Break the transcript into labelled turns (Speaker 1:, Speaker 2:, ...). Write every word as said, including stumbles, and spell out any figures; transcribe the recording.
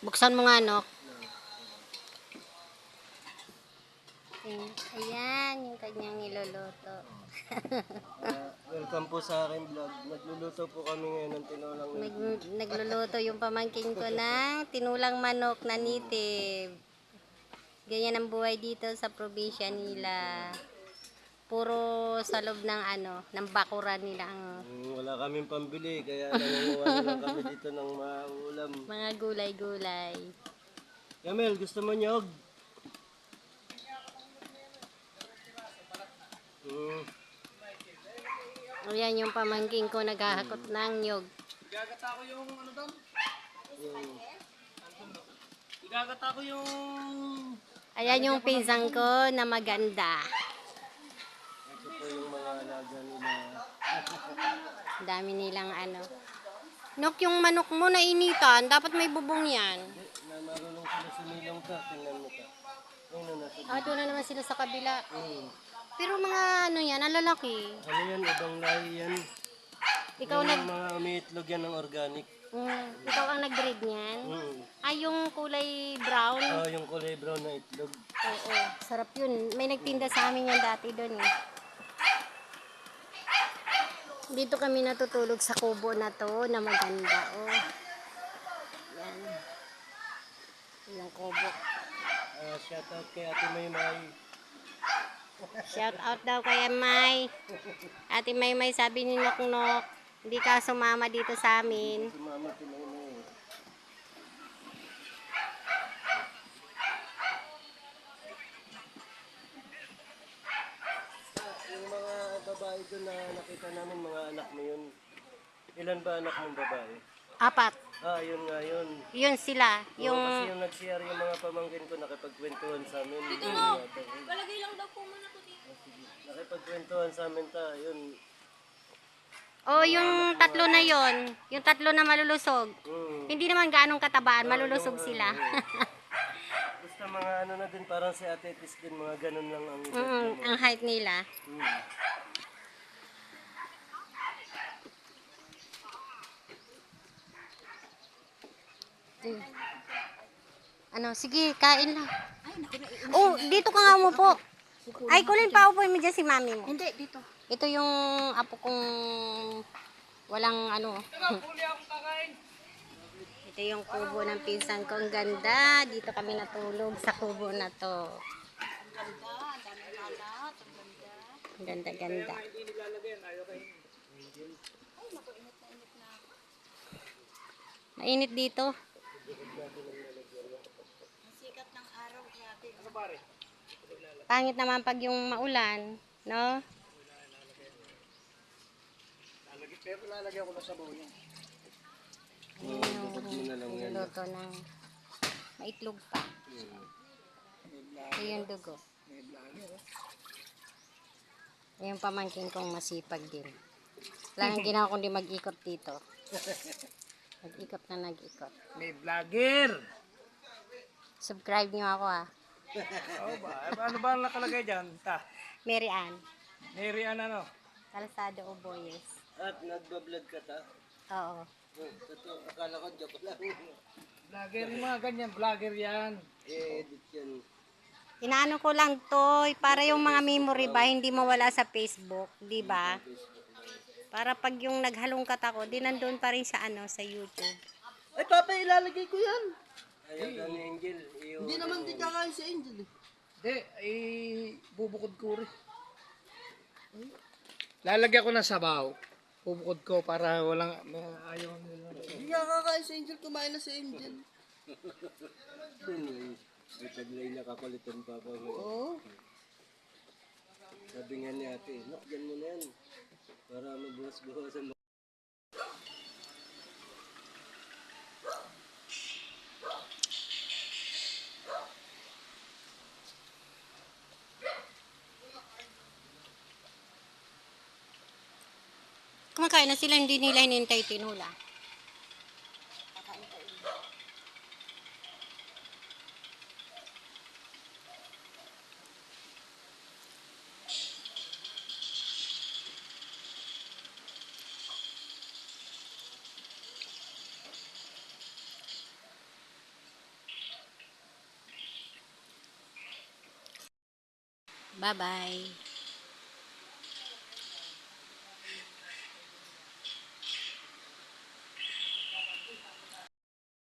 Speaker 1: Buksan mo nga, no? Ayan, yung kanyang niluluto.
Speaker 2: Uh, welcome po sa akin vlog. Nagluluto po kami ngayon ng tinulang
Speaker 1: Nag,
Speaker 2: native.
Speaker 1: nagluluto yung pamangkin ko ng tinulang manok na native. Ganyan ang buhay dito sa probinsya nila. Puro sa loob ng ano, ng bakuran nila ang
Speaker 2: Mm, wala kaming pambili, kaya nangunguha na lang kami dito ng maulam.
Speaker 1: mga gulay-gulay.
Speaker 2: Yamel, gusto mo nyog? Mm.
Speaker 1: Ayan yung pamangkin ko naghahakot ng nyog.
Speaker 3: Igagata ko yung ano doon?
Speaker 2: Mm.
Speaker 3: Igagata ko yung...
Speaker 1: Ayan yung pinsang ko na maganda.
Speaker 2: Ito po yung mga alaga nila.
Speaker 1: Dami nilang ano. Nok, yung manok mo na initan, dapat may bubong yan.
Speaker 2: Hindi, na marunong sila sumilong ka. Tingnan mo ka. Ayun na nasa.
Speaker 1: Ah, doon na naman sila sa kabila.
Speaker 2: Mm.
Speaker 1: Pero mga ano yan, alalaki.
Speaker 2: Ano yan? Ibang lahi yan.
Speaker 1: Ikaw
Speaker 2: yung
Speaker 1: nag...
Speaker 2: mga umiitlog yan ng organic.
Speaker 1: Mm, ikaw ang nag-breed niyan?
Speaker 2: Mm.
Speaker 1: Ay, yung kulay brown?
Speaker 2: Oh, yung kulay brown na itlog.
Speaker 1: Oo, sarap yun. May nagtinda sa amin yan dati doon eh. Dito kami natutulog sa kubo na to na maganda. Oh. Yan. Yung kubo.
Speaker 2: Uh, shout out kay Ate Maymay.
Speaker 1: Shout out daw kay May. Ate Maymay, sabi ni Nok Nok, hindi ka sumama dito sa amin.
Speaker 2: Si Mama si Maymay. Yung mga babae doon na nakita namin, mga anak mo yun. Ilan ba anak mong babae?
Speaker 1: Apat.
Speaker 2: Ah, yun nga yun.
Speaker 1: Yun sila.
Speaker 2: Yung...
Speaker 1: Yung...
Speaker 2: kasi yung nag-share yung mga pamangkin ko, nakipagkwentuhan sa amin. Dito
Speaker 1: mo.
Speaker 4: Palagay lang daw po muna ko dito.
Speaker 2: Nakipagkwentuhan sa amin ta, yun.
Speaker 1: Oh, yung tatlo na yon, yung tatlo na malulusog.
Speaker 2: Mm.
Speaker 1: Hindi naman ganong katabaan,
Speaker 2: Oh,
Speaker 1: malulusog
Speaker 2: yung,
Speaker 1: sila.
Speaker 2: uh, basta mga ano na din, parang si Ate Tis din, mga ganun lang ang edad
Speaker 1: Mm,
Speaker 2: mo.
Speaker 1: ang height nila.
Speaker 2: Mm.
Speaker 1: Mm. Ano, sige, kain lang. Oh, dito ka nga umupo. Ay, kulin pa upo mo dyan si mami mo.
Speaker 4: Hindi, dito.
Speaker 1: Ito yung apo kong walang ano. Ito yung kubo ng pinsan ko. Ang ganda. Dito kami natulog sa kubo na to. Ang ganda, ganda. Mainit dito.
Speaker 4: Sikat ng araw, grabe.
Speaker 1: Pangit naman pag yung maulan, no?
Speaker 3: Pero lalagyan ko na sabaw niya.
Speaker 1: Ayun, niluto ng maitlog pa. Ito yung dugo. Yung pamangkin kong masipag din. Wala nang ginawa kundi mag-ikot dito. Nag-ikot na nag-ikot.
Speaker 3: May vlogger!
Speaker 1: Subscribe nyo ako ah.
Speaker 3: Oo ba? Eh, ano ba ang nakalagay dyan? Ta.
Speaker 1: Mary Ann.
Speaker 3: Mary Ann ano?
Speaker 1: Calzado Oboyes.
Speaker 2: At nagbablog ka ta?
Speaker 1: Oo.
Speaker 2: Hmm, totoo, akala ko joke lang.
Speaker 3: Vlogger, yung mga ganyan. Vlogger yan.
Speaker 2: I-edit yan.
Speaker 1: Inaano ko lang to, para yung mga memory ba hindi mawala sa Facebook, di ba? Para pag yung naghalongkat ako, di nandun pa rin sa ano, sa YouTube.
Speaker 5: Ay, papa, ilalagay ko yan.
Speaker 2: Ayaw daw ni Angel. Iyo,
Speaker 5: Hindi naman din kakain si Angel. eh.
Speaker 3: Hindi, ay bubukod ko rin. Lalagyan ko ng sabaw. Bubukod ko para walang may ayaw nila.
Speaker 5: Hindi nga kakain si Angel, kumain na si Angel.
Speaker 2: May may taglay na kapalitan pa pa.
Speaker 5: Oo.
Speaker 2: Sabi nga ni ate, look, dyan mo na yan. Para mabuhas-buhasan mo.
Speaker 1: Kumakain na sila, hindi nila hinintay tinula. Bye-bye.